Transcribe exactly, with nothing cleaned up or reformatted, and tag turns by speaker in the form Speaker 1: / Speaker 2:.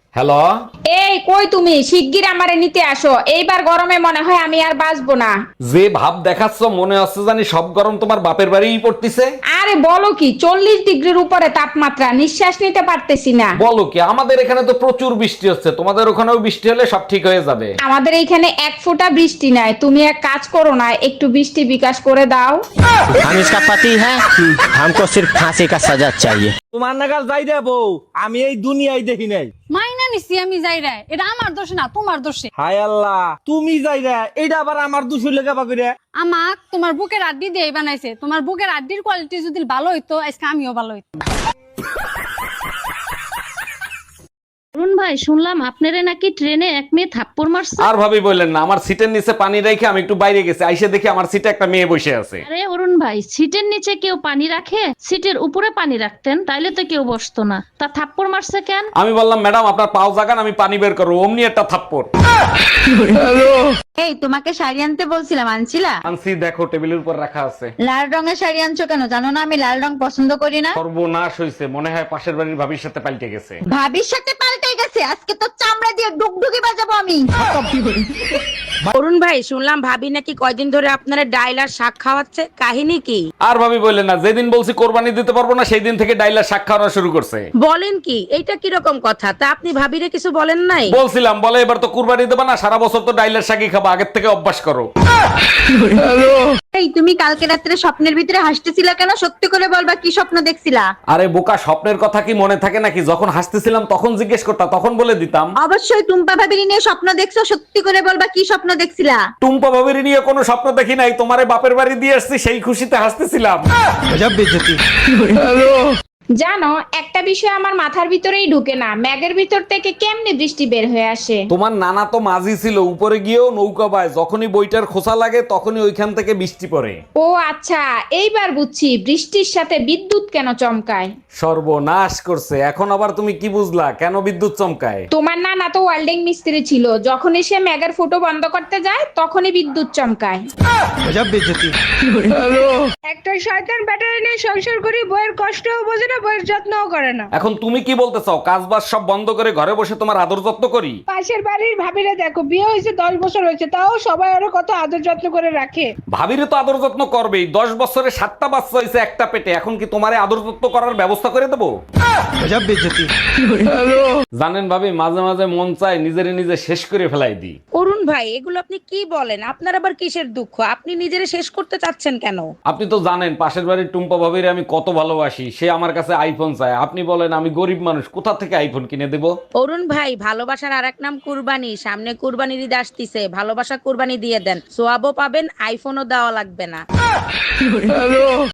Speaker 1: Hello.
Speaker 2: এই কই তুমি শিগগির আমারে নিতে আসো, এইবার গরমে মনে হয় আমি আর বাঁচবো না।
Speaker 1: যে ভাব দেখাচ্ছ মনে হচ্ছে জানি সব গরম তোমার বাপের বাড়িই পড়তিছে।
Speaker 2: আরে বলো কি, চল্লিশ ডিগ্রির উপরে তাপমাত্রা, নিঃশ্বাস নিতে পারতেছি না।
Speaker 1: বলো কি, আমাদের এখানে তো প্রচুর বৃষ্টি হচ্ছে, তোমাদের ওখানেও বৃষ্টি হলে সব ঠিক হয়ে যাবে।
Speaker 2: আমাদের এইখানে এক ফোঁটা বৃষ্টি নাই, তুমি এক কাজ করো না, একটু বৃষ্টি বিকাশ করে দাও।
Speaker 3: हम इसका पति है, हमको सिर्फ फांसी का सजा चाहिए।
Speaker 4: তোমার নাগাল যাই রে বউ, আমি এই দুনিয়ায় দেখি নাই।
Speaker 5: মাইনা নিছি আমি যাই রে, এটা আমার দোষ না তোমার দোষে।
Speaker 4: হায় আল্লাহ, তুমি যাই রে, এইটা আবার আমার দুশো লেখা পাবি রে।
Speaker 5: আমাক তোমার বুকের আড্ডি দিয়ে বানাইছে, তোমার বুকের আড্ডির কোয়ালিটি যদি ভালো হইতো আজকে আমিও ভালো হইতো।
Speaker 6: অরুণ ভাই, শুনলাম আপনারে নাকি ট্রেনে এক মেয়ে থাপ্পড় মারছে।
Speaker 1: আর ভাবি বললেন না, আমার সিটের নিচে পানি রেখে আমি একটু বাইরে গেছি, আইসে দেখি আমার সিটে একটা মেয়ে বসে আছে।
Speaker 6: আরে অরুণ ভাই, সিটের নিচে কেউ পানি রাখে? সিটের উপরে পানি রাখতেন, তাইলে তো কেউ বসতো না। তা থাপ্পড় মারছে কেন?
Speaker 1: আমি বললাম ম্যাডাম আপনার পাও জাগান, আমি পানি বের করবো, অমনি একটা থাপ্পড়।
Speaker 7: এই তোমাকে শাড়ি আনতে বলছিলাম, আনছিলা?
Speaker 1: আনছি, দেখো টেবিলের উপর রাখা আছে।
Speaker 7: লাল রঙের শাড়ি আনছো কেন? জানো না আমি লাল রং পছন্দ করি না।
Speaker 1: সর্বনাশ হয়েছে, মনে হয় পাশের বাড়ির ভাবির সাথে পাল্টে গেছে।
Speaker 7: ভাবির সাথে পাল্টে গেছে, আজকে তো চামড়া দিয়ে ডুগডুগি বাজাবো আমি।
Speaker 8: অরুণ ভাই, শুনলাম ভাবি নাকি কয়দিন ধরে আপনারা ডাইল আর শাক খাওয়াচ্ছে, কাহিনী কি?
Speaker 1: আর ভাবি বললেন না, যেদিন বলছি কোরবানি দিতে পারবো না সেই দিন থেকে ডাইলার শাক খাওয়ানো শুরু করছে।
Speaker 8: বলেন কি, এইটা কিরকম কথা? তা আপনি ভাবিরে কিছু বলেন নাই?
Speaker 1: বলছিলাম, বলে এবার তো কুরবানি দেবা না, সারা বছর তো ডাইলার শাকই খাবা, আগের থেকে অভ্যাস করো।
Speaker 7: এই তুমি কালকে রাত্রে স্বপ্নের ভিতরে হাসতেছিলা কেন? সত্যি করে বলবা, কি স্বপ্ন দেখছিলা?
Speaker 1: আরে বোকা, স্বপ্নের কথা কি মনে থাকে নাকি? যখন হাসতেছিলাম তখন জিজ্ঞেস করতা, তখন বলে দিতাম।
Speaker 7: অবশ্যই টুম্পা ভাবির নিয়ে স্বপ্ন দেখছো, সত্যি করে বলবা কি স্বপ্ন দেখছিলা?
Speaker 1: টুম্পা ভাবির নিয়ে কোনো স্বপ্ন দেখি নাই, তোমারে বাপের বাড়ি দিয়ে আসছি সেই খুশিতে হাসতেছিলাম।
Speaker 4: গজব বেইজ্জতি।
Speaker 2: জানো, একটা বিষয় আমার মাথার ভিতরেই ঢুকে না, ম্যাগের ভিতর থেকে কেমনে বৃষ্টি বের হয়ে আসে?
Speaker 1: তোমার নানা তো মাঝি ছিল, উপরে গিয়েও নৌকা বায়, যখনই বইটার খোসা লাগে তখনই ওইখান থেকে বৃষ্টি পড়ে।
Speaker 2: ও আচ্ছা, এইবার বুঝছি বৃষ্টির সাথে বিদ্যুৎ কেন চমকায়।
Speaker 1: সর্বনাশ করছে, এখন আবার তুমি কি বুঝলা কেন বিদ্যুৎ চমকায়?
Speaker 2: তোমার নানা তো ওয়েল্ডিং মিস্ত্রি ছিল, যখনই সে ম্যাগের ফুটো বন্ধ করতে যায় তখনই বিদ্যুৎ চমকায়।
Speaker 4: গজব বেইজ্জতি।
Speaker 5: একটা শয়তান ব্যাটারি নিয়ে সংসার করি, বইয়ের কষ্টও বোঝে না, বইয়ের যত্নও করে না।
Speaker 1: এখন তুমি কি বলতে চাও, কাজ বাজ সব বন্ধ করে ঘরে বসে তোমার আদর যত্ন করি?
Speaker 5: পাশের বাড়ির ভাবিরা দেখো, বিয়ে হয়েছে দশ বছর হয়েছে, তাও সবাই আরো কত আদর যত্ন করে রাখে।
Speaker 1: ভাবিরে তো আদর যত্ন করবেই, দশ বছরে সাতটা বাচ্চা হয়েছে একটা পেটে, এখন কি তোমারে আদর যত্ন করার ব্যবস্থা করে দেবো?
Speaker 4: গজব বেইজ্জতি।
Speaker 1: জানেন ভাবি, মাঝে মাঝে মন চায় নিজেরে নিজে শেষ করে ফেলাই দিই।
Speaker 8: অরুণ ভাই, এগুলো আপনি কি বলেন? আপনার আবার কিসের দুঃখ? আপনি নিজেরে শেষ করতে চাচ্ছেন কেন?
Speaker 1: আপনি তো জানেন পাশের বাড়ির টুম্পা ভাবিরে আমি কত ভালোবাসি, সে আমার কাছে আইফোন চায়। আপনি বলেন আমি গরিব মানুষ, কোথা থেকে আইফোন কিনে দেব?
Speaker 8: অরুণ ভাই, ভালোবাসার আর এক নাম কুরবানি, সামনে কুরবানির ঈদ আসতিছে, ভালোবাসা কুরবানি দিয়ে দেন, সোয়াবও পাবেন, আইফোনও দেওয়া লাগবে না।